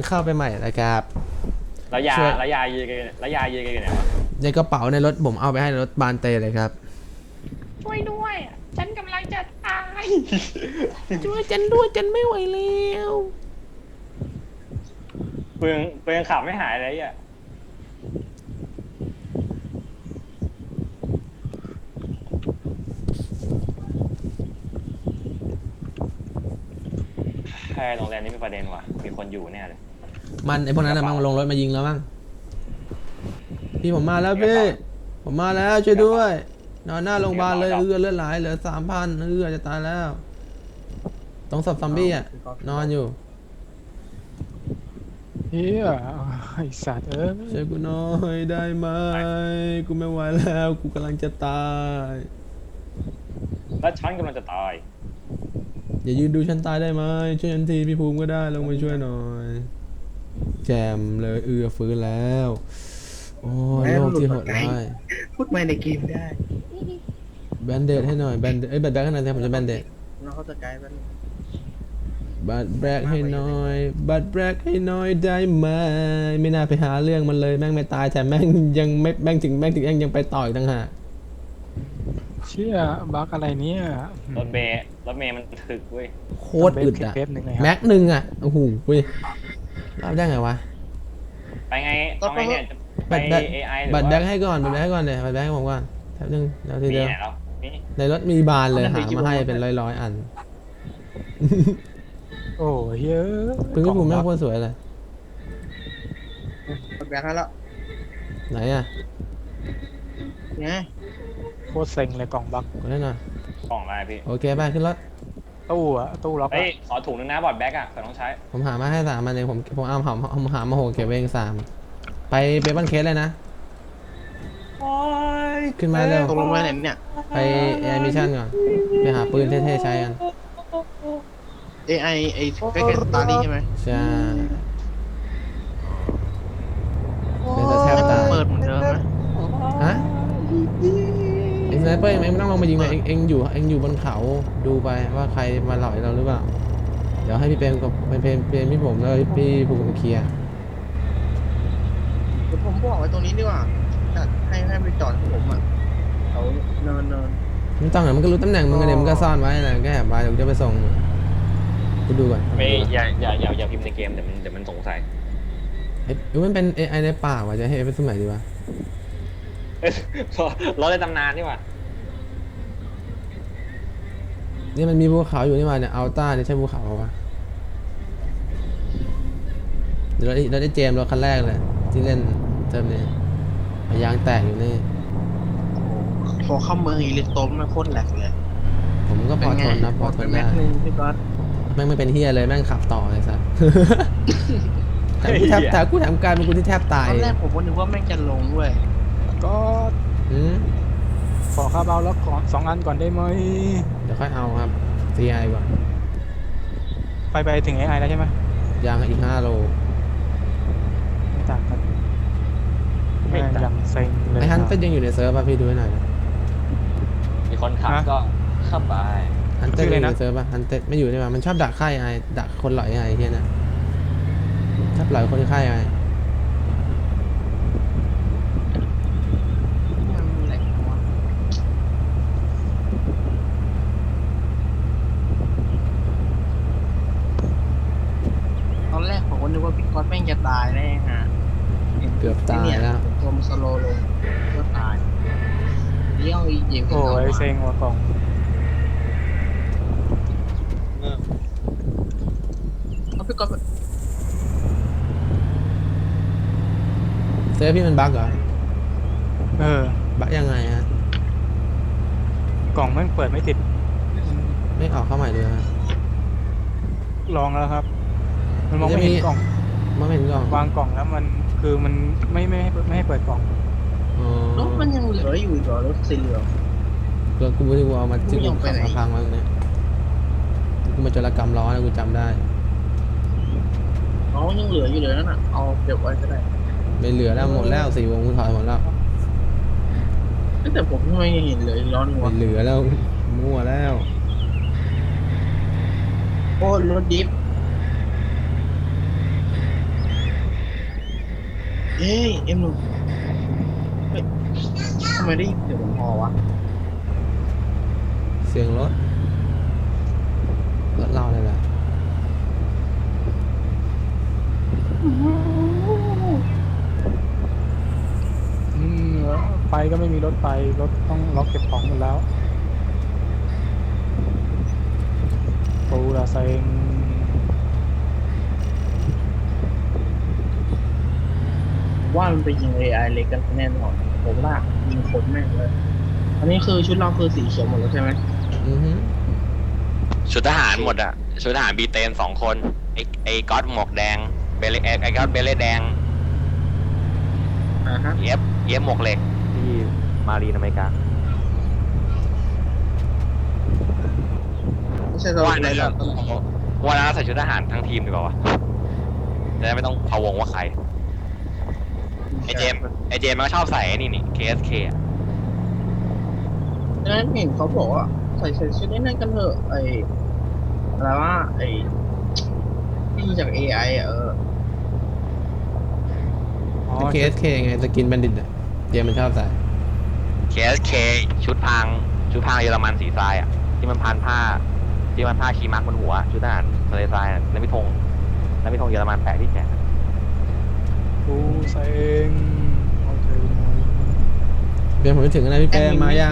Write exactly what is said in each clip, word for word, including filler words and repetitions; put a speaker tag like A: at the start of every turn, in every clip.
A: เข้าไปใหม่นะครับ
B: แล้วยา
A: ช่วย
B: แล้วยายืนกันแล้วยายืนกันอยู่ไหนวะ
A: ในกระเป๋าในรถผมเอาไปให้รถบานเตเลยครับ
C: ช่วยด้วย ฉันกำลังจะตาย
A: ช่วยฉันด้วยฉันไม่ไหวแล้ว
B: กูยังกูยังขับไม่หายเลยอ่ะแค่โรงแรมนี้เป็นประเด็นว่ะมีคนอยู่แน่เลย
A: มันไอพวกนั้นนะมันลงรถมายิงแล้วมั้งพี่ผมมาแล้วพี่ผมมาแล้วช่วยด้วยนอนหน้าโรงพยาบาลเลยเอือเลือดไหลเหลือสามพันเอือจะตายแล้วต้องศพซอมบี้อ่ะนอนอยู่
D: เฮียไอสัตว์เอ้ย
A: ช่วยกูหน่อยได้ไหมกูไม่ไหวแล้วกูกำลังจะตาย
B: แล้วฉันกำลังจะตาย
A: อย่ายืนดูฉันตายได้ไหมช่วยฉันทีพี่ภูมิก็ได้ลงมาช่วยหน่อยแจมเลยเอือฟื้นแล้วโอ้ยโลกที่โหดร้าย
E: พูดมาในเกมได้
A: แบนเดดให้หน่อยแบนเดดเอ้ยแบนแบกให้หน่อยผมจะแบนเดด
E: น้องเขาจะไกลมัน
A: บัตรแบกให้หน่อยบัตรแบกให้หน่อยได้ไหมไม่น่าไปหาเรื่องมันเลยแม่งไม่ตายแต่แม่งยังไม่แม่งถึงแม่งถึงยังยังไปต่ออีกต่างหาก
D: เชี่ยบักอะไรเนี่ย
B: รถเมย์รถเมย์มันถึกเว้ย
A: โคตรอึดอะ
D: เว็บหนึ่งเลยครับ
A: แม็กหนึ่งอะโอ้โหเว้ยรับได้ไงวะ
B: ไปไงเอาไงเนี่ยจะไป
A: บัตรแบก
B: เอไอหรือ
A: บัตรแบก
B: ว่า
A: ให้ก่อนบัตรแบกให้ก่อนเลยบัตรแบกให้ผมก่อนแป๊บนึงเดี๋ยวที
B: มี
A: เดียว
B: ไหนแล้วนี่
A: ในรถมีบานเลยหามาให้เป็นร้อยๆอัน
D: โอ้เฮีย
A: ปืนพี่ภูมิแม่งโคตรสวยเลย
E: กดแบกให้แล้ว
A: ไหนอะ
E: ไง
D: โคตรเซ็งเลยกล่องบัก
A: กดได้หน่อย
B: กล่องอะไรพี่
A: โอเคไปขึ้นรถ
D: ตู้อะตู้ล็อก
B: เฮ้
D: อะ
B: ยขอถุงนึงนะบอดแบ็กอ่ะเผื่อต้องใช้
A: ผมหามาให้สามอันเองผมผมเอาหาผมหามาโหเก็บไว้เองสามไปเบบันเคสเลยนะขึ้นมาเร็ว
E: ตกลงมาไหนเนี่ย
A: ไปแอร์มิชั่นก่อนไปหาปืนเท่ๆใช้กัน
E: เอไอไอใกล้ๆสตาร์ลี่ใช่ไหม
A: ใช่เป็นจะแทบตาย
E: เปิดเหมือนเดิมนะ
A: ฮะเอ็งสไนเปอร์เองไม่ต้องลงมายิงเลยเอ็งเอ็งอยู่เอ็งอยู่บนเขาดูไปว่าใครมาหลอยเราหรือเปล่าเดี๋ยวให้พี่เปรมกับเป็นเพรมเปรมพี่ผมแล้วพี่ภูมิเคลียร์
E: เดี๋ยวผมบอกไว้ตรงนี้ดีกว่าจัดให้ให้ไปจอดให้ผมอ่ะเขาเนินเนิน
A: ไม่ต้องหรอกมันก็รู้ตำแหน่งมึงกันเดี๋ยวมันก็ซ่อนไว้นะแค่แอบไปเดี๋ยวกูจะไปส่งกูดูก่อน
B: ไม่อย่าอย่าอย่าอย่าพิมพ์ในเกมเดี๋ยวมันเดี๋ยวมันสงสัย
A: เอ๊ะหรือมันเป็น เอ ไอ ในป่าว่ะจะให้เป็นสมัยดีวะ
B: เอ้ยรถในตำนานนี่หว่า
A: เนี่ยมันมีภูเขาอยู่นี่มาเนี่ยอัลต้าเนี่ยใช่ภูเขาปะเดี๋ยวเราได้เราได้เจมส์รถคันแรกเลยที่เล่นเทอมนี้ยางแตกอยู่นี่
E: พอเข้าเมืองอีลิโตมมันโคตรแหลกเลย
A: ผมก็พอทนนะพอทน
E: แม็
A: ได้
E: กนึงพี่ก๊อต
A: แม่งไม่เป็นเฮียเลยแม่งขับต่อเลยสัส แถมกูแทบแถมกูแถมกลายเป็นกูที่แทบตาย
E: ตอนแรกผมก็นึกว่าแม่งจะลงด้วย
D: ก็
A: อืม
D: ขอคาร์บาวล็อกก่อนสองอันก่อนได้ไหม
A: เดี๋ยวค่อยเอาครับ ซี ไอ ก่อน
D: ไปไปถึงไอไอแล้วใช่ไหม
A: ยางอีกห้าโล
D: ไม่ต่างกันแม่งยังเซ็งเลย
A: ไอฮันเต้ยังอยู่ในเซิร์ฟป่ะพี่ดูให้หน่อย
B: มีคนขับก็ขับไป
A: ฮันเต้ยังอยู่ในเซิร์ฟป่ะฮันเต้ไม่อยู่ใช่ป่ะมันชอบดักค่ายไอดักคนหลอยไอเฮียนะชอบหลอยคนค่ายไอ
E: มันแหลกหัวตอนแรกผมก็นึกว่าพี่ก๊อตแม่งจะตายแน่ฮะ
A: เกือบตายแล้ว
E: ตัวมันสโลว์ลงก็ตายเลี้ยวอีเหยียบขึ้น
D: โอ้
E: เขา
D: ยเซ็งว่ะกล่อง
E: เอาพี่ก๊อต
A: เซิร์ฟพี่มันบั๊กเหรอ
D: เออ
A: บั๊กยังไงฮะ
D: กล่องแม่งเปิดไม่ติด
A: ไม่ออกเข้าใหม่เลยฮะ
D: ลองแล้วครับ มันมองไม่เห็นกล่อง
A: มันไม่เห็นกล่อง
D: วางกล่องแล้วมันคือมันไม่ไม่ให้ไม่ให้เปิดกล่อง
A: อ๋อ
E: รถมันยังเหลืออยู่อีกเหรอรถสีเหลือง
A: รถกูไม่ได้กูเอามาจิ้ม
E: กูยังไป
A: ขับ
E: ไหน
A: มาพังมาตรงเนี้ยกูมาจรกรรมล้อนะกูจำได้
E: อ๋อยังเหลืออยู่เลยนั่นน่ะเอาเก็บไว้ก็ได้
A: ไม่เหลือแล้วหมดแล้วสี่วงกูถอยหมดแล้ว
E: แต่ผมไม่เห็นเลยร้อนหัว
A: ไม่เหลือแล้วมั่วแล้ว
E: โอ้รถดิฟเอ้ยเอ็มหนึ่งเฮ้ยทำไมได้ยินเสียงผมพอวะ
A: เสียงรถรถเราเลยแหละ
D: อืมไปก็ไม่มีรถไปรถต้องล็อกเก็บของหมดแล้วปูละเซ็ง
E: ว่ามันไปยิง เอ ไอ เล็กกันแน่นอนผมว่ายิงคนแม่งเลย อันนี้คือชุดเราคือสีเขียวหมดแล้วใช่ไหม
A: อือฮึ
B: ชุดทหารหมดอ่ะชุดทหารบีเตนสองคนไอ้ไอ้ก๊อตหมวกแดงเบลไอ้ก๊อตเบลเล่แดง
E: อ่าฮะ
B: เอฟเอฟหมวกเหล็กที่มารีนอเมริกา
E: ไม่ใช่เรา
B: ว่า
E: อะไร
B: น่า
E: หร
B: จะ
E: อก
B: ว่าน่าใส่ชุดทหารทั้งทีมดีกว่าวะจะได้ไม่ต้องพะวงว่าใครไอเจมส์ไอเจมส์มันก็ชอบใส่ไอ้นี่นี่ เค เอส เค อ่ะ
E: ดังนั้นเห็นเขาบอกว่าใส่ใส่ชุดนี้นั่นกันเถอะไออะไรว่าไอที่ยิงจาก เอ ไอ อ่ะเออ
D: อ๋อ
A: เค เอส เค ไงสกินบัณฑิตอะเจมมันชอบใส่
B: เค เอส เค ชุดพรางชุดพรางเยอรมันสีทรายอ่ะที่มันพันผ้าที่มันผ้าชีมักบนหัวชุดทหารทะเลทรายอะแล้วมีธงแล้วมีธงเยอรมันแปะที่แขน
D: ปูเซ็งโอเค
A: เดี๋ยวผมจะถึงแล้วพี่เป้มายัง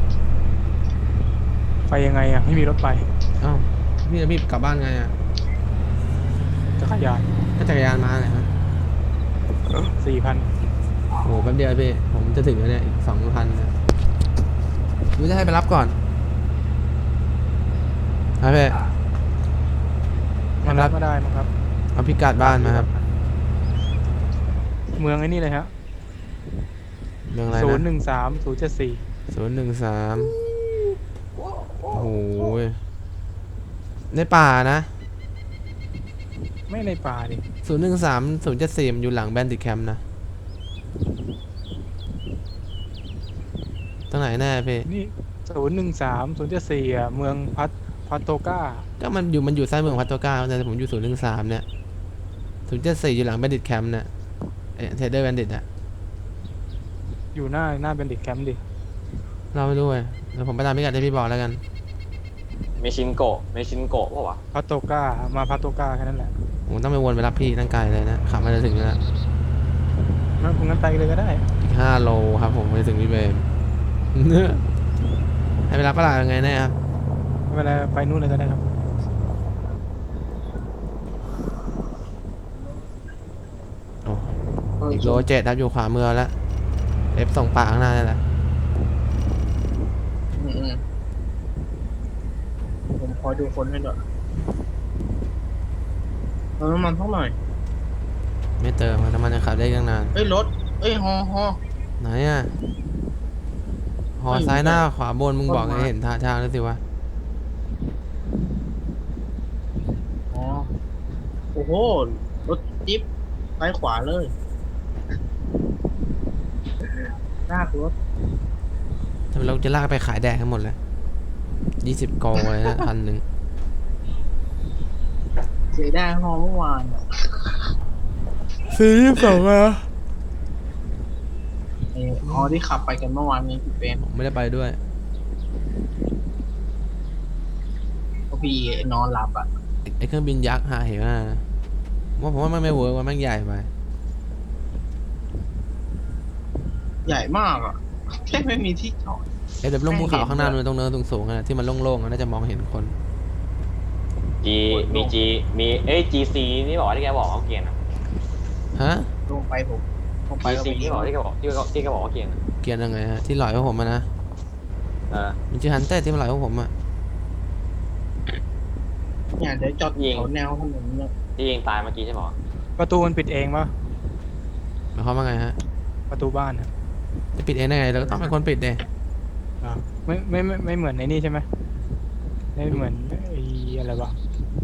D: ไปยังไงอ่ะไม่มีรถไป
A: เอ้าพี่จะพี่กลับบ้านไงอ่ะ
D: จักรยาน
A: ก็จักรยานมาเลยฮะ
D: สี่พัน
A: โอ้โหแป๊บเดียวพี่ผมจะถึงแล้วเนี่ยอีกสองพันนะหรือจะให้ไปรับก่อนครับพี่
D: มันรับไม่ได้มั้งครับ
A: เอาพิกัดบ้านมาครับ
D: เมืองไอ้นี่เลยฮะ
A: เมืองอะไร
D: ศูนย์ห
A: นะ
D: นึ่งสามศูนย์เจ็ดสี่
A: ศูนย์หนึ่งสามโอ้โหในป่านะ
D: ไม่ในป่าดิ
A: ศูนย์หนึ่งสามศูนย์เจ็ดสี่มันอยู่หลังแบนดิตแคมป์นะตรงไหนแน่พี่
D: นี่ศูนย์หนึ่งสามศูนย์เจ็ดสี่อ่ะเมืองพัทพัตโตก้า
A: ก็มันอยู่มันอยู่ซ้ายมือของพัตโตก้าแต่ผมอยู่ศูนย์หนึ่งสามเนี่ยศูนย์เจ็ดสี่อยู่หลังแบนดิตแคมป์เนี่ยเอเทเดอร์แบนดิตอะ
D: อยู่หน้าหน้าเป็นดิแคมป์ดิ
A: เราไม่รู้เลยเดี๋ยวผมไปตามพิกัดที่พี่บอกแล้วกัน
B: เมชินโกะเมชินโกะป่าวะ
D: พัตโตก้ามาพัตโตก้าแค่นั้นแหละ
A: ผมต้องไปวนไปรับพี่ตั้งไกลเลยนะขับมาจะถึงแล้ว
D: งั้นคุณงั้นไปเลยก็ได้
A: อีกห้าโลครับผมไปถึงพี่เบม ให้ไปรับก็ได้ยังไงแน่ครับ
D: ไม่เป็นไรไปนู่นเลยก็ได้ครับ
A: โอ้
E: เออ
A: อีกโลเจ็ดครับอยู่ขวามือแล้วเอฟส่งปากข้างหน้านี่แหละ
E: อืมอืมผมคอยดูคนให้ด้วยเติมน้ำมันเท่าไหร่
A: ไม่เติมน้ำมันจะขับได้ตั้งนาน
E: เอ้ยรถเอ้ยฮอฮอ
A: ไหนอ่ะหอ
E: ไม่
A: ซ้ายหน้า
E: ไม่
A: ขวาบนมึงบอก
E: ต้นไม้
A: ให้เห็นท่าทางแล้วสิวะ
E: อ๋อโอ้โหรถจิ๊บซ้ายขวาเลยลากรถ
A: ทำไมเราจะลากไปขายแดกทั้งหมดเลยยี่สิบโกเลยนะพันหนึ่ง
E: เสียได้ฮอเมื่อวานอะ
A: สี่ยี่สิบสองอะ
E: ไอ้ฮอที่ขับไปกันเมื่อวานนี้พี่เป็น
A: ผมไม่ได้ไปด้วย
E: ก็พี่นอนหลับอ่ะ
A: ไอ้ไอเครื่องบินยักษ์หาเหวน่ะนะว่าผมว่ามันไม่เวิร์กว่ามันใหญ่ไป
E: ใหญ่มากอ่ะแค่ไม่มีที่จอด
A: เอ้ยแต่ลงภูเขาข้างหน้ามันตรงเนินสูงๆอะที่มันโล่งๆอะน่าจะมองเห็นคน
B: จีมีจีมีเอ้ย จี ซี นี่บอกว่าที่แกบอกว่าเกียร์นะ
A: ฮะ
E: ลงไปผมลงไป
B: จี
E: ก็
B: ซี
E: ไป
B: นี่บอกที่แกบอกที่แกที่แกบอกว่าเกียร์นะ
A: เกรียนยังไงฮะที่หลอยพวกผมอะนะ
B: เออ
A: มันชื่อฮันเต้ที่มันหลอยพวกผมอะ
E: เนี่ยเดี๋ยวจอด
B: ยิง
E: แถวแนวถนนเนี่ย
B: ที่ยิงตายเมื่อกี้ใช่ไหม
D: ประตูมันปิดเองปะ
A: หมายความว่าไงฮะ
D: ประตูบ้านอะ
A: จะปิดเองได้ไงเราก็ต้องเป็นคนปิดเอง
D: อ่าไม่ไม่ไม่ไม่เหมือนในนี่ใช่ไหมไม่เหมือนไอ้อะไรวะ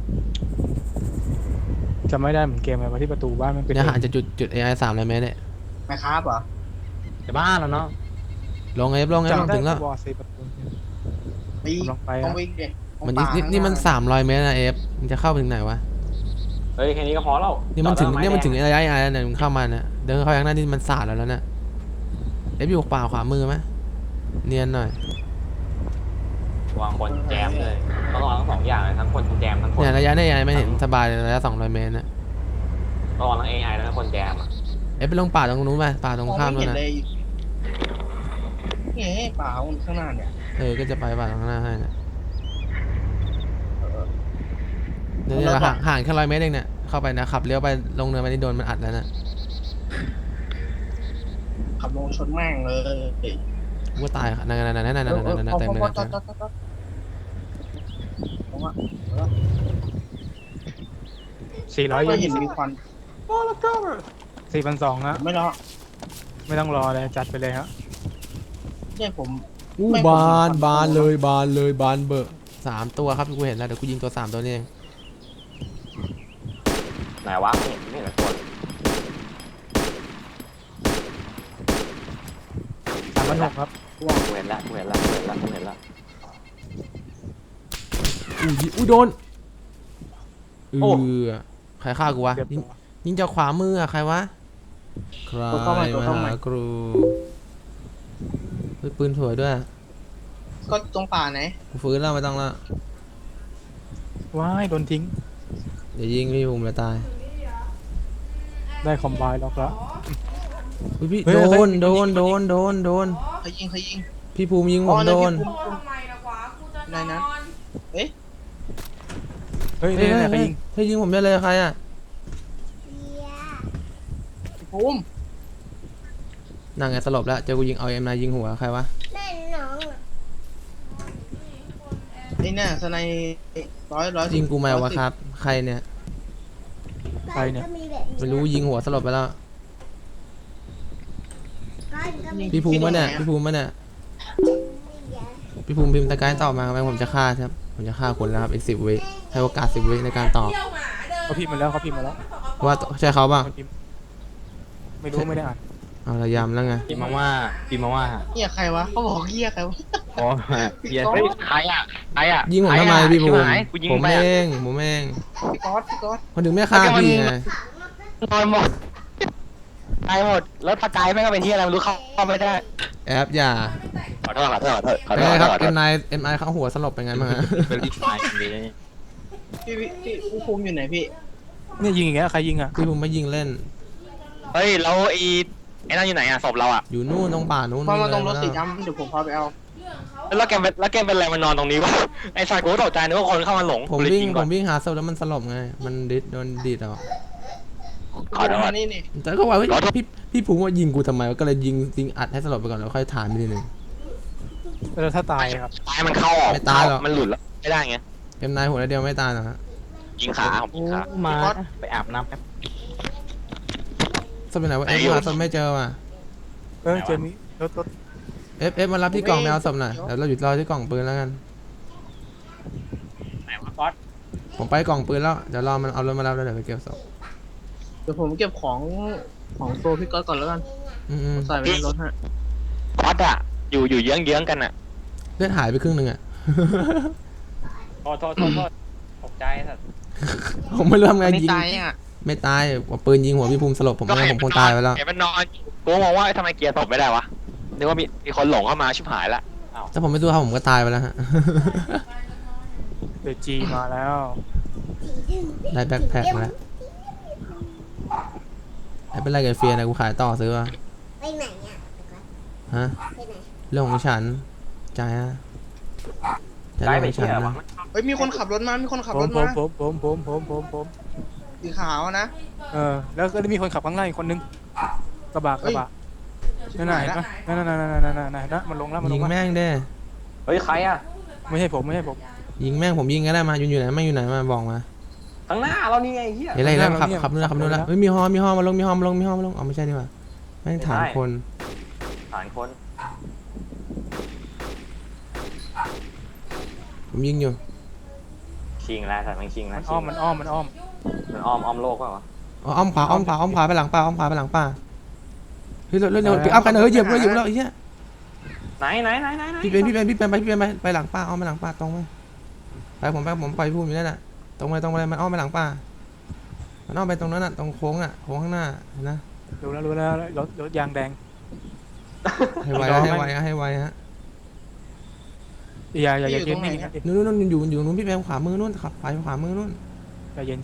D: จำไม่ได้เหมือนเกมอะไรวะที่ประตูบ้านมันปิด
A: เนี่ย
D: เอง
A: ห่างจากจุดจุด เอ ไอ สามร้อยเมตรเนี่ย
E: แม่ครับเหรอ
B: จะบ้านแล้วเนาะ
A: ลงไงลงไงลง
D: จำได้
A: ถึงแล้ว
D: วอร์ซีประตู
E: ไป
D: กำลังไปอะ
E: ต้องวิ่งเด็ก
A: มันนี่นี่นี่มันสามร้อยเมตรนะเอฟมันจะเข้าไปถึงไหนวะ
B: เฮ้ยแค่นี้ก็พอแล้ว
A: นี่มันถึง
B: จอดแล้ว
A: นี่มันถึง
B: ไม้
A: เอ
B: แด
A: ไอไอแล้วเนี่ยมึงเข้ามาเนี่ยเดินเข้าไปข้างหน้านี่มันสาดแล้วแล้วเนี่ยเอฟอยู่ป่าขวามือไหมเนียนหน่อยว
B: างคนแจมเลยต้องระวังทั้งสองอย่างเลยทั้งคนแจมทั้งคน
A: เนี่ยระยะเนี่ยไม่เห็นสบายเลยระยะสองร้อยเมตรนะ
B: ระวังทั้ง เอ ไอ และทั้งคนแจมอ่ะ
A: เอฟไปลงป่าตรงนู้นไปป่าตรง
E: มอง
A: ข้าม
E: ไม่
A: นู้น
E: เห็น
A: นะ
E: เลยนี่ไงป่าข้างหน้าเนี่ย
A: เออก็จะไปป่าตรงข้างหน้าให้นะ
E: เออ
A: เนี่ย
E: แล้วก็
A: ห่างห่างแค่ร้อยเมตรเองเนี่ยเข้าไปนะขับเลี้ยวไปลงเนินไปนี่โดนมันอัดแล้วนะ
E: ขับลงชนแม่งเลย
A: กูก็ตายค่ะนั่นนั่นนั่นนั่นนั่นนั่นนั่นนั่นเต็มเลยนะ
D: สี่ร้อย
E: ไม่เห็นมีควัน
D: สี่พันสองฮะ
E: ไม่รอ
D: ไม่ต้องรอเลยจัดไปเลยฮะ
E: เนี่ยผม
A: อู้
E: ไม่
A: บาน
E: ผม
A: บานเลยบานเลยบานเบอร์สามตัวครับที่กูเห็นแล้วเดี๋ยวกูยิงตัวสามตัวนี้เอง
B: ไหนวะไม่เห็นไม่เห็นสักคน
D: สามพันหกครับ
B: กูเห็นแล้วกูเห็นแล้วกูเห็นแล้วกูเห็นแล้ว
A: อู้ยอู้โดนเอ
B: โอ้
A: อใครฆ่ากูวะ
D: เรียบ
A: ยิง
D: ร้อย
A: ยิงจากขวามืออะใครวะใคร
E: ตัวเข้ามาตัว
A: มา
E: เข้ามา
A: หาครูเฮ้ยปืนสวยด้วย
E: ก็ตรงป่าไหน
A: กูฟื้นแล้วไม่ต้องละ
D: ว้ายโดนทิ้ง
A: เดี๋ยวยิงพี่ภูมิเลยตาย
D: ได้คอมไบน์ล็อกแล้ว
A: อุ๊ยพี่
D: เฮ้ย
A: โด
D: เฮ้ย
A: นโดนโดนโดนโดน
E: ใครยิงใครยิง
A: พี่ภูมิยิงผ
E: อ๋อ
A: ม
E: นั่
A: โด
E: น
A: น
E: พี่ภูมิ
C: ทำไมล่ะวะกูจะน
E: นายนั้น
C: อน
E: เอ๊ะ
D: เฮ้ย
A: เฮ้ย
D: เนี่ย
A: เฮ้ย
D: ใคร
A: เฮ้ย
D: ยิง
A: เฮ้ยยิงผมได้เลยใครอ่ะ
E: พี่ภูมิ
A: นั่งไงสลบแล้วเจอกูยิงเอาเอ็มนายยิงหัวใครวะ
E: ไอ้เนี่ยสไนร้อยร้อย
A: ยิงกูไหมวะครับ ใครเนี่ย
D: ใครเนี่ย
A: ไม่รู้ยิงหัวสลบไปแล้วพี่ภูมิมาเนี่ยพี่ภูมิมาเนี่ยพี่ภูมิพิมพ์ตะกายตอบมาไหมผมจะฆ่าครับผมจะฆ่าคนแล้วครับอีกสิบวิให้โอกาสสิบวิในการตอบ
C: เที่ยวหมาเดิน
D: เขาพิมพ์มาแล้วเขาพิมพ์มาแล้ว
A: ว่าใช่เขาป่ะ
D: เขาพิมพ์ไม่รู้ไม่ได้อ่าน
A: เอาระยำแล้วไง
B: พิมพ์มาว่าพิมพ์มาว่า
E: เฮียใครวะเขาบอกเฮียใครวะ
B: อ๋อเฮียเฮ้ยใครอ่ะใครอ่ะ
A: ยิงผมทำไมพี่ภูมิ
B: ใครอะกูยิง
A: ผม
B: ไป
A: เอ
B: อะ
A: งผมเอง
E: พี่ก๊อตพี่ก๊อต
A: คนถึงไม่ฆ่าพี่ไง
B: นอนหมดตายหมดแล้วสกายแม่งก็เป็นที่อะไรไม่รู้เข้าเข้าไม่ได้
A: แอปอย่า
B: ขอโทษขอโทษขอโทษขอ
A: เป็น
B: โทษ
A: ไงครับ
B: ขอโท
A: เอ็
B: ษ
A: มไอเอ็มไอเขาหัวสลบเป็นไงบ้างฮะ
B: เป็นรีบตายคนนี้
E: พี่พี่พี่พี่ภูมิอยู่ไหนพี่
D: เนี่ยยิงอย่างเงี้ยใครยิงอ่ะ
A: พี่ภูมิไม่ยิงเล่น
B: เฮ้ยแล้วไอ้ไอ้นั่นอยู่ไหนอ่ะศพเราอ่ะ
A: อยู่นู่นตรงป่านู้น
E: มามาตรงรถ
A: เลย
E: สีดำเดี๋ยวผมพาไปเอา
C: เรื่องเขา
B: แล้วแกเป็นแล้วแกเป็นอะไรมานอนตรงนี้วะไอ้สายกูก็ตกใจนึกว่าคนเข้ามาหลง
A: ผม
B: กูเลย
A: วิ่ง
B: ยิง
A: ผ
B: ก่อน
A: มวิ่งหาศพแล้วมันสลบไง มันดิดโดนดีดเอา
B: ขอโทษ
E: มานี่นี่
A: แต่ก็ว่าเฮ้ย
B: ขอโทษ
A: พี่พี่ภูมิว่ายิงกูทำไมวะก็เลยยิงยิงอัดให้สลบไปก่อนแล้วค่อยถามไปทีหนึ่ง
D: แล้วถ้าตายครับ
B: ตายมันเข้าออก
A: ไม่ตายหรอก
B: มันหลุดแล้วไม่ได้ไง
A: เอ็มนายหัวเดียวไม่ตายหรอกฮะ
B: ยิงขาผมยิงขา
E: พี่ก๊อต
B: ไปอาบน้ำแป๊บ
A: ศพเป็นไหนวะ
B: ไหน
A: เอฟ
B: อยู่
A: หาศพไม่เจอว่ะ
D: เออเจอมีรถรถ
A: เอฟเอฟมารับที่กล่องแมวศพหน่อยเดี๋ยวเราหยุดรอที่กล่องปืนแล้วกัน
B: ไหนวะก๊อต
A: ผมไปกล่องปืนแล้วเดี๋ยวรอมันเอารถมารับแล้วเดี๋ยวไปเก็บศพ
E: เดี๋ยวผมเก็บของของตัวพี่ก๊อตก่อนแล้วกัน
A: อืม
E: ใส่ไว้ในรถฮะ
B: ก๊อตอะอยู่อยู่เยื้องเยื้องๆกันอะ
A: ๆเลือดหายไปครึ่งหนึ่งอ่ะ
B: โทษโทษโทษโทษตกใจสัตว์
A: ผมไม่รู้ทำไง
E: อันนี้
A: ยิง
E: ตายยังอ่ะ
A: ไม่ตายว่าปืนยิงหัวพี่ภูมิสลบผมไม่งั้นผมคงตายไปแล้ว
B: เห็นมันนอนกูมองว่าทำไมเกียร์ตกไม่ได้วะนึกว่ามีมีคนหลงเข้ามาชิบหายละอ้าว
A: ถ้าผมไม่สู้เขาผมก็ตายไปแล้วฮะ
D: เดยวจีมาแล้ว
A: ได้แบ็คแพ็คมาแล้วไอ้เป็นไรกับเฟียนะกูขายต่อซื้อวะ
F: ไปไหนอ่ะ
A: ฮะ
F: ไปไหน
A: เรื่องของฉันใจฮะใจ
B: ได้
A: เรื่อง
B: ไป
A: ของฉั
B: เที่
A: น
B: ยว
A: นะ
B: วะ
E: เฮ้ยมีคนขับรถมา มีคนขับ
D: ผ
E: ร
D: ม
E: ถ
D: ผม
E: มา
D: ผมผมผมผมผมผม
E: สีขาวนะ
D: เออแล้วก็ได้มีคนขับข้างหน้าอีกคนนึงกระบะกระบะนั่นไหนนะนั่นนั่นนั่นนั่นนั่นนั่นนั่นมันลงแล้วมันล
A: ยิ
D: ง
A: ง
D: แล้ว
A: แม่งเด้
B: เฮ้ยใครอะ
D: ไม่ใช่ผมไม่ใช่ผม
A: ยิงแม่งผมยิงก็ได้มาอยู่อยู่ไหนแม่งอยู่ไหนมาบอกมา
B: ข้างหน้าเรานี่ไงเฮีย
A: เห็นอะไรแล้วขับขับนู่นแล้วขับนู่นแล้วเฮ้ยมีฮอมีฮอมาลงมีฮอมาลงมีฮอมาลงอ๋อไม่ใช่นี่หว่าแม่งฐานคน
B: ฐานคน
A: ผมยิงอยู่
B: ชิงแล้วสัตว์มันชิง
D: มั
B: แล้ว
D: นอ้อมมันอ้อมมันอ้อม
B: มันอ้อมอ้อมโลกเปล่าวะ
A: อ๋ออ้อมขวาอ้อมขวาอ้อมขวาไปหลังป่าอ้อมขวาไปหลังป่าเฮ้ยเร็วเร็วเร็วปิกอัพกันเออเหยียบเลยเหยียบแล้วไอ้เหี้ย
B: ไหนไหนไหนไหนไหน
A: พี่เป็นพี่เป็นพี่เป็นไปพี่เป็นไปไปหลังป่าอ้อมไปหลังป่าตรงไปไปผมไปผมไปพูดอยู่นั่นน่ะตรงไปตรงไปมันอ้อมไปหลังป่ามันอ้อมไปตรงนั้นน่ะตรงโค้งอ่ะโค้งข้างหน้าเห็นนะ
D: รู้แล้วรู้แล้วรถรถยางแดง
A: ให้ไว
D: รอ
A: ให้
D: ไหม
A: ไวให้ไวฮะ
D: อย่าอย่าอย่าเย็นนิ่งนะดิ
A: นู่นนู่นนู่นอยู่อยู่นู้นพี่แปมขวามือนู่นขับไปขวามือนู่น
D: อย่าเย็นดิ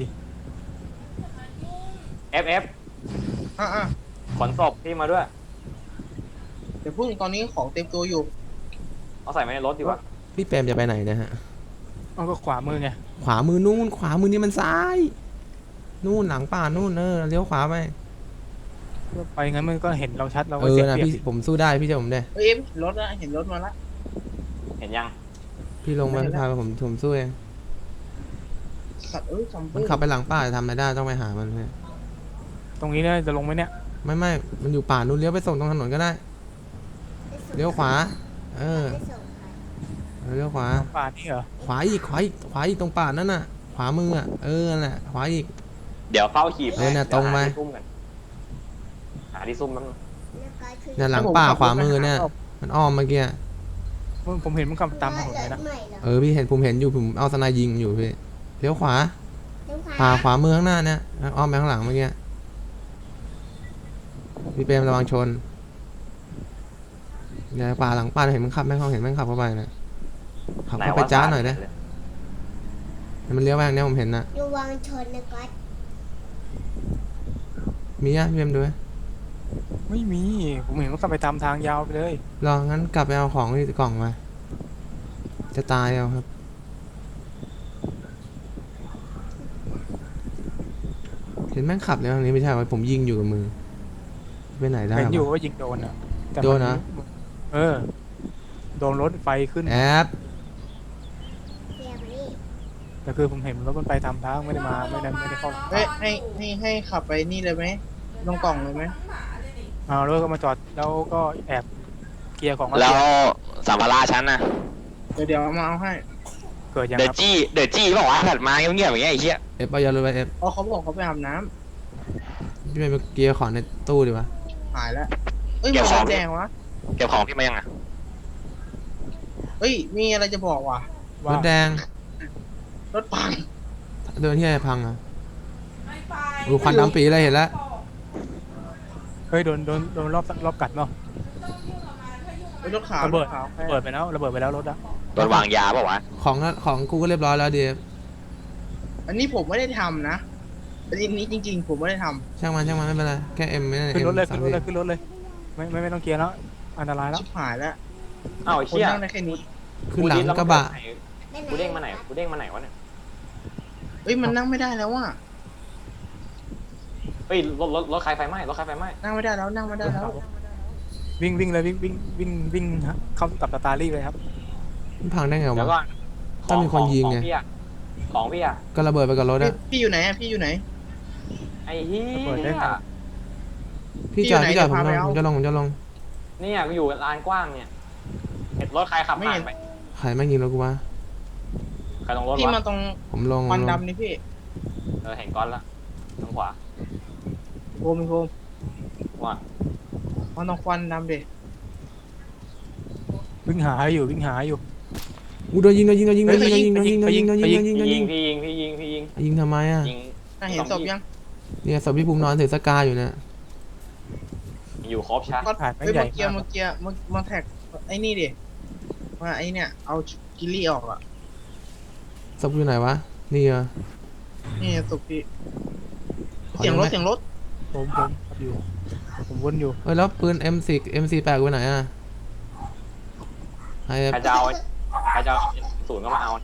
B: เอฟเอฟ
E: อ่ะอ่ะ
B: ขนศพพี่มาด้วย
E: เดี๋ยวพุ่งตอนนี้ของเต็มตัวอยู่
B: เอาใส่ไว้ในรถดีกว่า
A: พี่แปมจะไปไหนนะฮะ
D: เอาก็ขวามือไง
A: ขวามือนู่นขวามือนี่มันซ้าย นู่นหลังป่านู่นเออเลี้ยวขวาไป
D: ไปงั้นมันก็เห็นเราชัดเรา
A: เอ
D: ก็
A: อ
D: เสีย
A: นะ
D: เปรียบ
A: พี่ผมสู้ได้พี่เจะผมได้
E: เอ้ยเห็นรถแล้วเห็นรถมาละ
B: เห็นยัง
A: พี่ลงมาพี่พาไปผมผมสู้เอง
E: สัตว์เอ้ยจำ
A: มันขับไปหลังป่าจะทำอะไรได้ต้องไปหามันเพื่อน
D: ตรงนี้เนี่ยจะลงไหมเนี่ย
A: ไม่ไม่มันอยู่ป่านู่นเลี้ยวไปส่งตรงถนนก็ได้เลี้ยวขวาเออเออเลี้ยวขวา
D: ป่านี่เหรอ
A: ขวาอีกขวาอีกขวาอีกตรงป่านั่นน่ะ ขวามืออ่ะเออนั่นแหละขวาอีก
B: เดี๋ยวเฝ้าขีบ
A: เออเนี่ยตรงไป
B: หาที่ซุ่มกันหาที่ซุ่มแป๊บนึง
A: เนี่ยหลังป่าขวามือเนี่ยมันอ้อมเมื่อกี้
D: ผมผมเห็นมันขับตามถนนเลยนะ
A: เออพี่เห็นผมเห็นอยู่ผมเอาสไนยิงอยู่พี่เลี้ยวขวาป่าขวามือข้างหน้าเนี่ยอ้อมไปข้างหลังเมื่อกี้พี่เปรมระวังชนเนี่ยป่าหลังป่าเห็นมันขับแม่งเขาเห็นแม่งขับเข้าไปนะขับเข้าไปจ้าหน่อยได้มันเลี้ยวไปทางเนี้ยผมเห็นนะ
F: ระวังชนนะก๊อต
A: มีอ่ะพี่เปรมดูไหม
D: ไม่มีผมเห็นมันขับไปตามทางยาวไปเลย
A: รองั้นกลับไปเอาของที่กล่องมาจะตายเอาครับเห็นแม่งขับเลยทางนี้ไม่ใช่ว่าผมยิงอยู่กับมือไปไหนได้
D: เห็น
A: วะ
D: อยู่ว่ายิงโดนอ่ะแต่
A: โดน
D: มั
A: เหรอ
D: เออโดนรถไฟขึ้น
A: แอป
F: เสียมานี่
D: แต่คือผมเห็นรถมันไปตามทางไม่ได้มาไม่ได้ไม่ได้เข้า
E: เฮ้ยให้ให้ให้ขับไปนี่เลยไหมลงกล่องเลยไหม
D: เอารถก็มาจอดแล้วก็แอบเคลียร์ของ
B: แล้วสัมภาระฉันน่ะ
E: เดี๋ยวเดี๋ยวเอามาเอาให้
D: เกิดยัง
B: เด
D: ค
B: อะ
D: รับ
B: จี้เดอะจี้บอกว่าถัดมาเงียบๆอย่างเงี้ยไอ้เหี้ย
A: เอฟเอายาเลยไปเอฟ
E: อ๋อเขาบอกเขาไปอาบน้ำ
A: พี่ไปเกียร์ของในตู้ดีวะ
E: หายแล้วเอ้ยมันรถแดงวะ
B: เก็บของพี่มายังอ่ะ
E: เอ้ยมีอะไรจะบอกว่ะ
A: ร
D: ว่า
A: ถแดง
E: รถพัง
A: เดินที่ไหนพังอ่ะดูควันดำปีอะไรเห็นแล้ว
D: เฮ้ยโดนโดนโดนรอบรอบกัดเนาะ
E: เอ้ยรถขาว
D: ระเบิด
E: ถขาว
D: ระเบิดไปแล้วระเบิดไปแล้วรถอะ
B: โดนวางยาเปล่าวะ
A: ของนั้นของกูก็เรียบร้อยแล้วดีเอฟ
E: อันนี้ผมไม่ได้ทำนะอันนี้จริง ๆ ผมไม่ได้ท
A: ช่างมันช่างมันไม่เป็นไรแค่เอ็มไม่ได้
D: ขึ้น
A: เอ็ม
D: รถเลย
A: สา
D: ขึ้
A: ม
D: นรถ
A: สิ
D: เลยขึ้นรถเลยไม่ไม่ไม่ต้องเคลียร์แล้วอันตราย
E: ำ
D: แล้ว
E: ชิบหายแล้ว
B: อ้าวไอ้
E: คน
B: เหี้ย
E: นั่งได้แค่นี้
A: ขึ้นหลังกระบะ
B: กูเด้งมาไหนกูเด้งมาไหนวะเนี่ย
E: เอ้ยมันนั่งไม่ได้แล้วว่ะ
B: เฮ้ยรถรถรถใครไฟไหม้รถใครไฟไหม้
E: นั่งไม่ได้แล้วนั่งไม่ได้แล้ว
D: วิ่งวิ่งเลยวิ่งวิ่งวิ่งวิ่งฮะเข้ากับสตาร์ลี่เลยครับ
A: มันพังได้ไง
B: แล้วก็
A: วะ ต้องมีคนยิงไง
B: ของพี่อะของพี่อะ
A: ก็ระเบิดไปกับรถ
E: พี่
A: อะ
E: พี่อยู่ไหนอะพี่อยู่ไหน
B: ไอ้เหี้
D: ระเบิดได้
B: ย
D: ไง
A: พี่จอด
E: พี่
A: พี่
E: อยู่
A: จอด
E: ไหน
A: ผม
E: เดี๋ยวพาไปเอา
A: จะลงผมจะลง
B: เนี่ยกูอยู่ลานกว้างเนี่ยเห็นรถใครขับ
E: ไม่
B: ผ่า
E: เห็
B: น
E: น
B: ไป
A: ใครแม่งยิงรถกูวะ
B: ใครตรงรถ
E: พี่
B: วะ
E: มาตรง
A: ผมลง
E: ควัน
A: ผมลง
E: ดำนี่พี่
B: เออเห็นก้อนละทางขวา
E: โคมโคม
B: ว่า
E: มาตรงควันดำดิ
D: วิ่งหาอยู่วิ่งหาอยู่
A: อู้โดนยิงโดนยิงโดนยิงโดนยิงโดนยิงโดนยิงโดนยิงโดนยิงโดนยิงโดน
B: พี่
A: ยิ
B: ยิ
A: ง
B: งพี่ยิงพี่ยิงพี่ยิง
A: ยิงทำไมอะ
B: ยิง
E: น่าเห็นศพยัง
A: เนี่ยศพพี่ภูมินอนถือสกาอยู่เนี่ย
B: อยู่ครบใช่
E: ก็
D: ถ่ายไม่
E: เฮ้ย
D: ใหญ่
E: เมื่อกี้
D: มาก
E: เมื่อกี้เมื่อมาแท็กไอ้นี่ดิมาไอ้เนี่ยเอากิลลี่ออกอ่ะ
A: ศพอยู่ไหนวะนี่เหรอ
E: นี่ศพพี่
A: ขอ
E: เสียงรถ
A: ดูไหม
E: เสียงรถ
D: ผมผมอยู่ผมวนอยู่
A: เอ้ยแล้วปืน เอ็ม สิบ เอ็ม สี่แปดกูไปไหนอะไอเอฟ
B: ใครจะเอาใครจะเอาศูนย์ก็มาเอา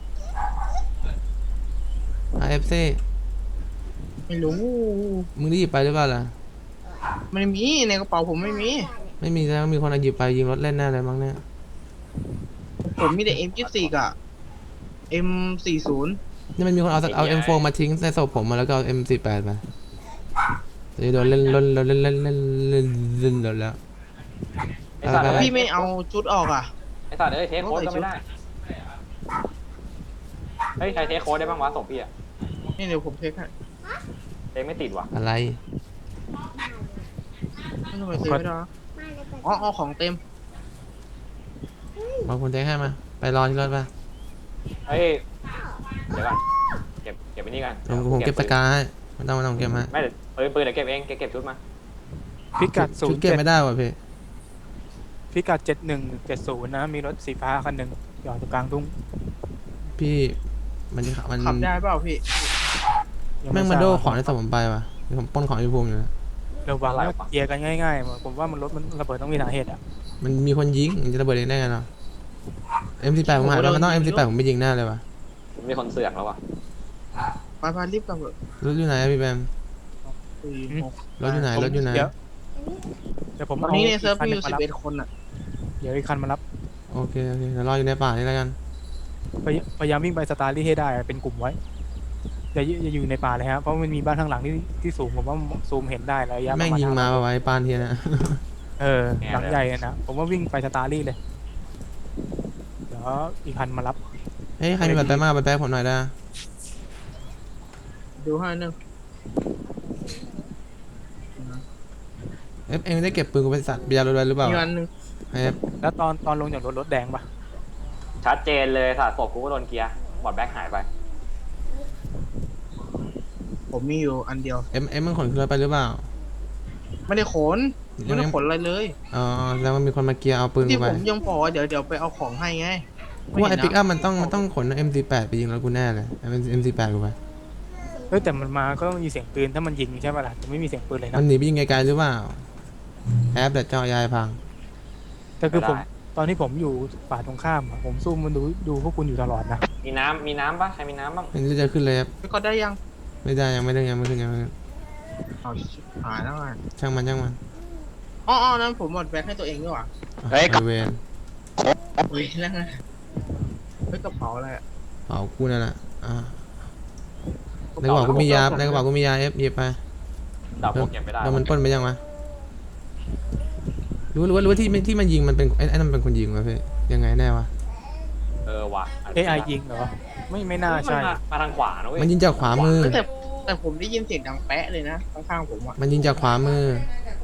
A: ไอเอฟซี
E: ไม่รู้
A: มึงได้หยิบไปหรือเปล่าล่ะ
E: ไม่มีในกระเป๋าผมไม่มี
A: ไม่มีแล้วมีคนเอาหยิบไปยิงรถเล่นแน่เลยมั้งเนี่ย
E: ผมมีแต่ เอ็ม ยี่สิบสี่ กับ เอ็ม สี่สิบ
A: นี่มันมีคนเอาเอา เอ็ม โฟร์ มาทิ้งในศพผมมาแล้วก็เอา เอ็ม สี่แปดไปจะโดนเล่นเล่นเล่นเล่นเล่นเล่นเล่นเล่นแล้ว
B: ไอ้สัตว์
A: ไปไป
E: พี่ไม่เอาชุดออกอ่ะ
B: ไอ้สัตว์เอ้ยเทคโค้ดก็ไม่ได้เฮ้ยใครเทคโค้ดได้บ้างวะส่งพี่อะ
E: นี่เดี๋ยวผมเทคให้
B: เทคไม่ติดว่ะ
A: อะไร
E: ไม่ต้องไปเทคไม่ได้หรอ
F: มาแล้วก็
E: อ๋อเอาของเต็ม
A: บางคนแจ้งให้มาไปรอที่รถไป
B: เฮ้ยเดี๋ยวก่อนเก็บเก็บไปนี่กัน
A: ผมผมเก็บสกาให้ไม่ต้องไม่ต้องเก็บให้
B: ไม่เดี๋ยวปืนปืนเดี๋ยวเก็บเองเก็บเก็บชุดมา
D: พิกัดศู
A: ชุ
D: น
A: ด
D: ย์
A: เก็บ
D: เจ็ด
A: ไม่ได้ว่ะพี่
D: พิกัดเจ็ดหนึ่งเจ็ดศูนย์นะมีรถสีฟ้าคันหนึ่งจอดอยู่กลางทุ่ง
A: พี่มันจะมัน
E: ขับได้เปล่าพี่
D: ยัง
A: แม่ง
D: ไท
A: มา
D: ราบ
A: โดของในสมผมไปว่ะเดี๋ยวผมปล้นของพี่ภูมิอยู่นะ
D: ระวังนะเกียร์กันง่ายๆผมว่ามันรถมันระเบิดต้องมีสาเหตุอ่ะ
A: มันมีคนยิงมันจะระเบิดเองได้ไงเนาะ เอ็ม สิบแปด ผมหายไปมันต้อง เอ็ม สิบแปด ผมไปยิงแน่เลยว่ะ
B: มีคนเสือกแล้ววะ
E: ไปไปรีบกลับเถอะ
A: รถอยู่ไหนอะพี่แบม
E: สี่หก
A: รถอยู่ไหนรถอยู่ไหน
D: เดี๋ยวเดี๋ยวผม
E: ตอน
D: เอา
E: นี้ในเซิร์ฟ
D: คัน
E: มี
D: ห
E: อ
D: นึ่ง
E: ยู่
D: มา
E: สิบ
D: รับ
E: เอ็ดคนอ่ะ
D: เดี๋ยวอีกคันมารับ
A: โอเคโอเคเดี๋ยวรออยู่ในป่านี่แล้วกัน
D: พยพยายามวิ่งไปสตาร์ลี่ให้ได้อะเป็นกลุ่มไว้อย่าอย่าอยู่ในป่าเลยฮะเพราะมันมีบ้านข้างหลังที่ที่สูงผมว่าซูมเห็นได้ระยะ
A: แม่ง
D: ประณ
A: ยิงมา
D: ห้
A: ป่ะวะไอ้ปานเทียนะ
D: เออหลังใหญ่อะนะผมว่าวิ่งไปสตาร์ลี่เลยเดี๋ยวอีกคันมารับ
A: เฮ้ยใครมีบัตรไปมากบัตรแป๊บผมหน่อยได้
E: ดูให้หนึ่ง
A: เอฟเองได้เก็บปืนกูไปสัตว์เบียร์รถไว้หรือเปล่า
E: มีวันหนึ่ง
A: เอฟ
D: แล้วตอนตอนลงจากรถรถแดงปะ
B: ชัดเจนเลยสัตว์ศพกูก็โดนเกียร์บอดแบ็คหายไป
E: ผมมีอยู่อันเดียว
A: เอ็มเอ็มมันขนขึ้นรถไปหรือเปล่า
E: ไม่ได้ขนไม่ได้ขนอะไรเลย
A: อ๋อแล้วมันมีคนมาเกียร์เอาปืน
E: ที่
A: กูไป
E: ผมยังบอกว่าเดี๋ยวเดี๋ยวไปเอาของให้ไง
A: กูว่าไอ้ปิกอัพมันต้องมันต้องขน เอ็ม สิบแปด ไปยิงรถกูแน่เลยเอ็ม สิบแปด กูไป
D: เฮ้ยแต่มันมาก็ต้องมีเสียงปืนถ้ามันยิงใช่ปะล่ะแต่ไม่มีเสียงปืนเลย
A: มั
D: นะ
A: นหนีไปยิงไกลๆหรือเปล่าแอปแต่เจาะยายพัง
D: แต่คือผม
B: ไม่ได้
D: ตอนที่ผมอยู่ป่าตรงข้ามอะผมซูมมันดูดูพวกคุณอยู่ตลอดนะ
B: มีน้ำมีน้ำปะใครมีน้ำบ้าง
A: มันจะขึ้นเลยครับ
E: พี่ก็ได้ยัง
A: ไม่ได้ยังไม่ได้ยังไม่ขึ้นยังไม่ขึ้น
E: เอาชิบหายแล้วไง
A: ช่างมันช่างมัน
E: อ๋ออ๋อนั้นผมหมดแบตให้ตัวเองด้วยว่ะ
B: เฮ้ย
A: ไอเวน
E: เฮ้ยแล้วไงเฮ้ยกระเป๋าอะไรอะ
A: เป๋ากูนั่นแหละอ่าในกระเป๋ากูมียาในกระเป๋ากูมียาเอฟหยิบไป
B: ดาบพวกเก็บไม่ได้
A: แล้วมันปล้นไปยังวะรู้รู้ว่ารู้ว่าที่ที่มันยิงมันเป็นไอ้ไอ้นั่นมันเป็นคนยิงวะพี่ยังไงแน่วะ
B: เออว่ะ
D: เอไอยิงเหรอไม่ไม่น่าใช่
B: มันมามาทางขวานะเว้ย
A: มันยิงจากขวามือ
E: เฮ้ยแต่แต่ผมได้ยินเสียงดังแป๊ะเลยนะข้างๆผมอ่ะ
A: มันยิงจากขวามือ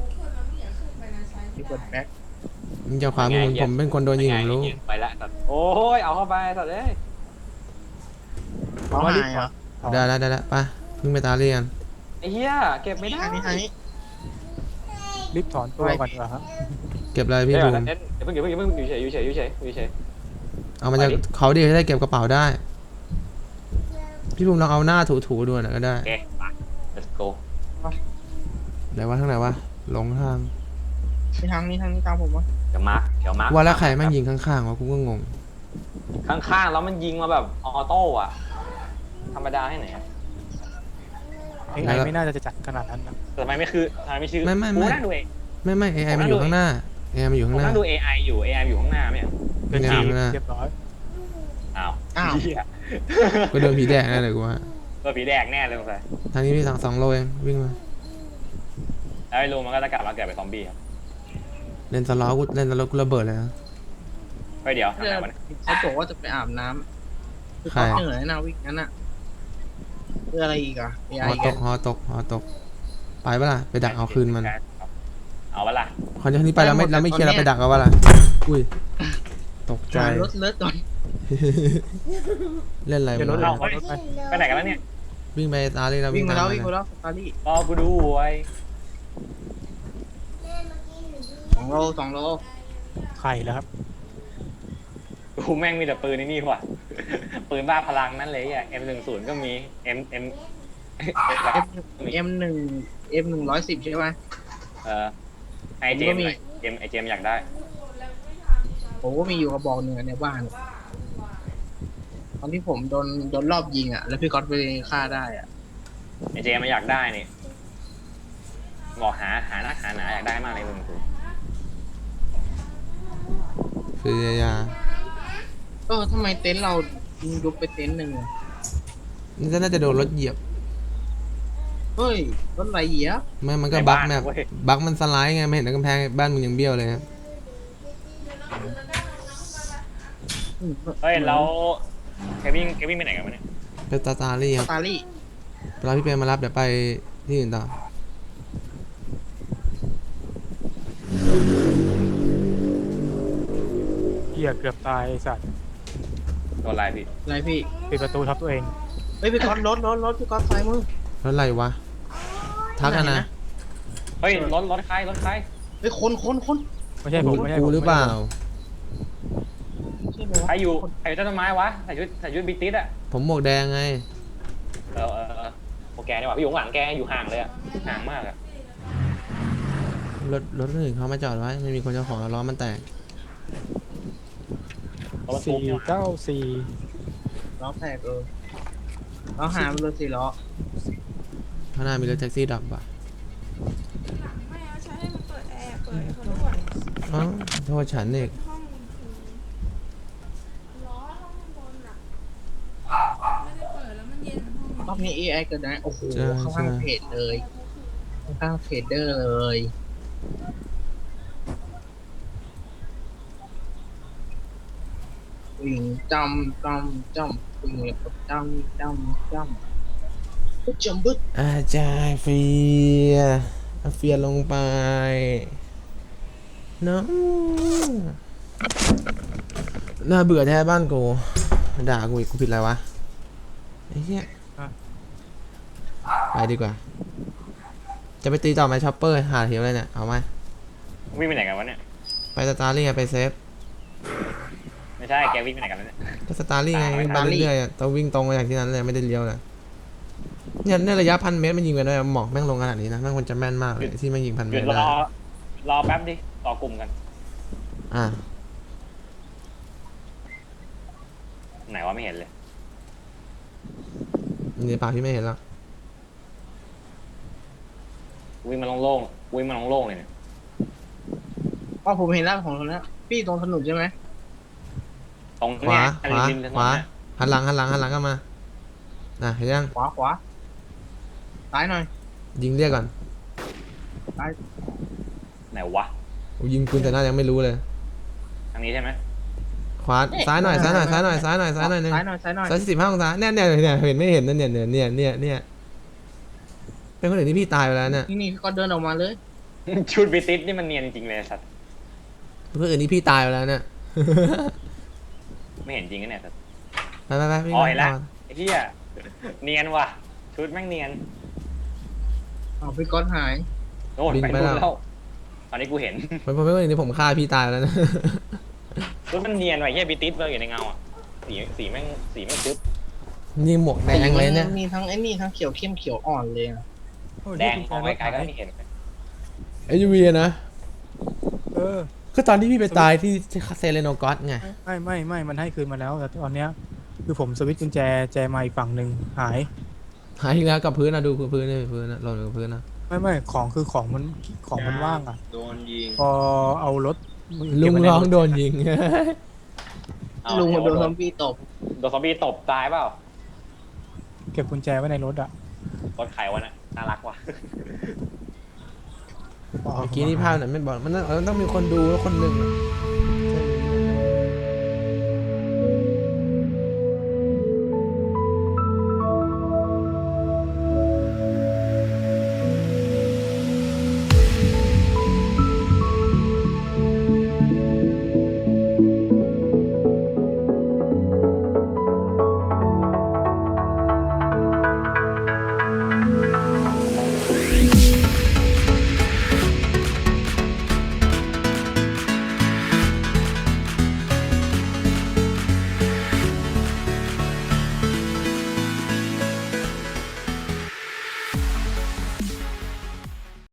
E: มีเปิดแบ็ค
A: ยิงจากขวามือผมผมเป็นคนโดนยิงผมรู้
B: ไปแล้วสัตว์โอ้ยเอาเข้าไปสัตว์เอ้ย
E: เขาหายเหรอ
A: ได้แล้วได้แล้วไปพึ่งไปตาเรียน
B: ไอ้เหี้ยเก็บไม่ได้
E: อันนี้อันนี้
D: รีบถอนตัวก่อนดีกว่าครับ
A: เก็บอะไร
B: พี่
A: พี่
B: บู
A: บู
B: ม
A: ม
B: เดี๋ยวเพิ่งเดี๋ยวเพิ่งเดี๋ยวเพิ่งอยู่เฉยอยู่เฉยอยู่เฉยอยู่เฉย
A: เอามาจากเขาดีจะได้เก็บกระเป๋าได้ พี่บูมลองเอาหน้าถูๆดูหน่อยก็ได้
B: โอเคไป let's go
A: ไหนวะทางไหนวะหลงทาง
E: มีทางนี้ทางนี้ตามผมวะ
B: เดี๋ยวมาร์คเดี๋ยวมาร์ค
A: ว่าแล้วใครแม่งยิงข้างๆวะกูก็งง
B: ข้างๆแล้วมันยิงมาแบบออโต้อะธรรมดาให้ไหนอะ
D: เอไอไม่น่าจะจัดขนาดนั้นนะ
B: แต่ทำไมไม่คือทำไมไม่ชื่อ
A: ไม่ไม่ไม่
B: กูนั่งดูเอง
A: ไม่ไม่ เอ ไอ มันอยู่ข้างหน้า เอ ไอ มันอยู่
B: ผ
A: ข้าม งหน้า
B: นั่งดู เอ ไอ อยู่ เอ ไอ อยู่ข้างหน้าไม่ใช่
D: เป็น
A: ไม่
D: ที
A: น่าไม่น่า
D: เรียบร้อย
B: อ้าว
E: อ้าว
B: เหี้ย
A: ก็โดนผีแดกแน่เลยกูว่า
B: ตัวผีแดงแน่เลยสงสัย
A: ทางนี้พี่สองสองโลเองวิ่งมา
B: แล้วไอ้ลูมันก็จะกลับมาเกิดเป็นซอมบี้ครับ
A: เล่นสล้อกูเล่นสล้อกูระเบิดเลยนะ
B: เฮ้ยเดี๋ยวทำ
E: เดี๋
B: ไง
E: ยว
B: วะเนี่ย
E: เขาบอกว่าจะไปอาบน้ำคือ
A: ใคร
E: เขาเหนื่อยนะวิกนั้นอ่ะเพื่ออะไรอีกอ่ะเอไอ
A: ฮอ
E: แก
A: ตกฮอตกฮอตก ไปปะล่ะ ไปดักเอาคืนมัน
B: เอาวะล่ะ
A: คอนเทนต์นี้ไปแล้วไม่เราไม่เคลียร์เราไปดักเอาวะล่ะ อุ้ย ตกใจ
E: หารถเลิศก่อน
A: เล่นอะไร
D: เดี๋ยวรถ
A: วะ
D: เราเอารถไป
B: ไปไหนกันแล้วเนี่ย
A: วิ่งไปตาเลยเรา
E: วิ่
A: วิ่
E: ง
A: ง
E: มา
A: ตาม
E: แล้ว
A: ไป
E: วิ่งมาแล้วสตาร์ลี่
B: รอกูดูไว้
E: สองโลสองโล
D: ไข่แล้วครับ
B: กูแม่งมีแต่ปืนในนี่ว่ะ ปืนบ้าพลังนั่นเลยอ่ะ เอ็ม หนึ่งศูนย์ ก็มี M M
E: เอ็มหนึ่งเอ็มหนึ่งร้อยสิบใช่ไหม
B: เออไอเจมส์หน่อยเจมส์ไอเจมส์อยากได้
E: ผมก็มีอยู่กระบอกหนึ่งอะในบ้าน ตอนที่ผมโดนโดนรอบยิงอ่ะ แล้วพี่ก๊อตไปฆ่าได้อ่ะ
B: ไอเจมส์มันอยากได้นี่บอกหาหานักหาหนาอยากได้มากเลยมึงกู
A: คือยา
E: เออทำไมเต็นท์เรายิงยุบไปเต็นท์หนึ่งอะ
A: นี่น่าจะโดนรถเหยียบ
E: เฮ้ยรถไหลเหยียบ
A: ไม่มันก็บั๊กแบบบั๊กมันสไลด์ไงไม่เห็นในกำแพงบ้านมึงยังเบี้ยวเลยครับ
E: อืม
B: เฮ้ยแล้วเควินเควินไปไหนกันวะเนี่ย
A: ไปตาตาลี่ครับ
E: ตาลี่
A: เวลาพี่เปรมมารับเดี๋ยวไปที่อื่นต่อ
D: เหี้ยเกือบตายไอ้สัตว์
B: โดนอะไรพี่
E: อะไรพี่
D: ปิดประตูทับตัวเอง
E: เฮ้ยพี่ก๊อตรถรถรถพี่ก๊อตซ้ายมือ
A: รถอะไรวะ ทักกันนะ
G: เฮ้ยรถรถใครรถใคร
E: เฮ้ยคนคนคน
D: ไม่ใช่ผมไม่ใช่ผม
A: กูหรือเปล่า
E: ใช่ไหมวะ
G: ใครอยู่ใครอยู่ใต้ต้นไม้วะใส่ชุดใส่ชุดบิ๊กติ๊ดอะ
A: ผมหมวกแดงไง
G: เออเออเออโอแกนี่หว่าพี่อยู่ข้างหลังแกอยู่ห่างเลยอะห่างมากอะ
A: รถรถคนอื่นเขามาจอดไว้ไม่มีคนเจ้าของแล้วล้อมันแตก
G: รถบรรทุ
D: สี่
G: กนี่หว่า
D: เก้าสี่
E: ล้อแตกเออล้อหามันเลยสี่ล้อ
A: ข้างหน้ามีรถแท็กซี่ดับว่ะ
C: ไม่เอาใช้ให้มันเปิดแอร์เปิดให้เขาด้วย
A: อ๋อโทษฉันเอง
C: ห้องล้อห้องข้างบนอ่ะไม่ได้เปิดแล้วมันเย็นห้อง
E: รอบนี้ เอ ไอ เกิดนะโอ้โหข้างๆเพจเลยข้างๆเพจเดอร์เลยวิ่งจำจำจำวิ่งแล้วก็จำจำจำปุ๊บจำบึ๊ด
A: อาจารย์เฟียเอาเฟียลงไปน้องน่าเบื่อแท้บ้านกูด่ากูอีกกูผิดอะไรวะไอ้เหี้ยไปดีกว่า จะไปตีต่อไหมช็อปเปอร์หาเทียวเลยเนี่ยเอาไหม
G: วิ่งไปไหนกันวะเนี่ย
A: ไปสตาร์ลี่ไงไปเซฟ
G: ไม่ใช่แกวิ่งไปไหนกันวะเนี่ย
A: ก็สตาร์ลี่ไงวิ่งไปเรื่อยๆอะต้องวิ่งตรงไปอย่างที่นั้นเลยไม่ได้เลี้ยวเลยเนี่ยในระยะพันเมตรมันยิงไปด้วยหมอกแม่งลงขนาดนี้นะแม่งควรจะแม่นมากเลยที่แม่งยิงพัน
G: ห
A: เม
G: ยุ
A: ต
G: ด
A: ร
G: ร
A: ได้
G: อรอแป๊บดิต่อกลุ่มกัน
A: อ่ะ
G: ไหนวะไม่เห็นเลย
A: ในปากพี่ไม่เห็นแล้ว
G: วิ่งมาโล่งๆวิ่งมาโล่งๆเลยเนี่ย
E: อ๋อผมเห็นแล้วของคนนี้พี่ตรงถนนใช่ไหม
G: ตรง
A: ขวา
G: เนี้ย
A: ขวา
G: ริมถนน
A: ขวา
G: น่ะ
A: หันหลังหันหลังหันหลังกลันมาน่ะเห็นยัง
E: ขวาขวาซ้ายหน่อย
A: ยิงเรียกก่อน
G: ไหนวะ
A: โอ้ยิงปืนแต่หน้ายังไม่รู้เลย
G: ทางนี้ใช่ไหม
A: ขวาซ้ายหน่อยซ้ายหน่อยซ้ายหน่อยซ้ายหน่อยซ้ายหน่อยหนึง
E: ซ้ายหน่อยซ้ายหน่อย
A: ซ้ายสิบห้าองศาเนี่ยเนี่ยเนี่ยเห็นไม่เห็นนั่นเนี่ยเนี่ยเนี่ยเนี่ยเนี่ยเป็นคนอื่นที่พี่ตายไปแล้วเนี่ย
E: นี่นี่ก็เดินออกมาเลย
G: ชุดบิติสนี่มันเนียนจริงเลยสัตว์
A: เป็นคนอื่นที่พี่ตายไปแล้วเนี่ย
G: ไม่เห็นจริงนะเนี่ยสัตว์
A: ไปไปไปพี่
G: อ๋อเห็น
A: ก่
G: ละ
A: อน
G: ไอ้เหี้ยเนียนว่ะชุดแม่งเนียน
E: เอาพี่ก๊อตหาย
G: โอ้ยไปนู่นแล้วตอนนี้กูเห็น
A: เป็นเป็นคนอื่นที่ผมฆ่าพี่ตายไปแล้วนะ
G: ชุดมันเนียนว่ะเหี้ยบิติสเลยอยู่ในเงาอ่ะสีสีแม่งสีแม่งจึ๊บ
A: นี่หมวกแดงเลยเนี่ย
E: มีทั้งไอ้นี่ทั้งเขียวเข้มเขียวอ่อนเลยอะ
D: โอ้ย
G: แดง
D: ที่
G: มอง
D: กุญแจ
G: ไกลๆก็
D: รถหาย
G: ไม่เห็น
A: เอยูวีนะ
D: เออ
A: คือตอนที่พี่ไปตายที่เซเลโนกอสไง
D: ไม่ไม่ไม่มันให้คืนมาแล้วแต่ตอนเนี้ยคือผมสวิตช์กุญแจแจมาอีกฝั่งหนึ่งหาย
A: หายอีกแล้วกับพื้นนะดูพื้นนี่พื้นนะหล่นกับพื้นนะ
D: ไม่ไม่ของคือของมันของมันว่างอ่ะ
E: โดนยิง
D: พอเอารถ
A: ลุง
D: เก็บไว้ใน
A: ร้อง
D: รถ
A: โดนยิง
G: เอา
E: ลุงโดนซ
G: โด
E: อมบี้ตบ
G: โดนซอมบี้ตบตายเปล่า
D: เก็บกุญแจไว้ในรถอ่ะ
G: รถไขวะน่ะน่ารักว่ะ
A: เมื่อกี้นี่ภาพไหนไม่บอกมันต้องมันต้องมีคนดูแล้วคนหนึ่งอะ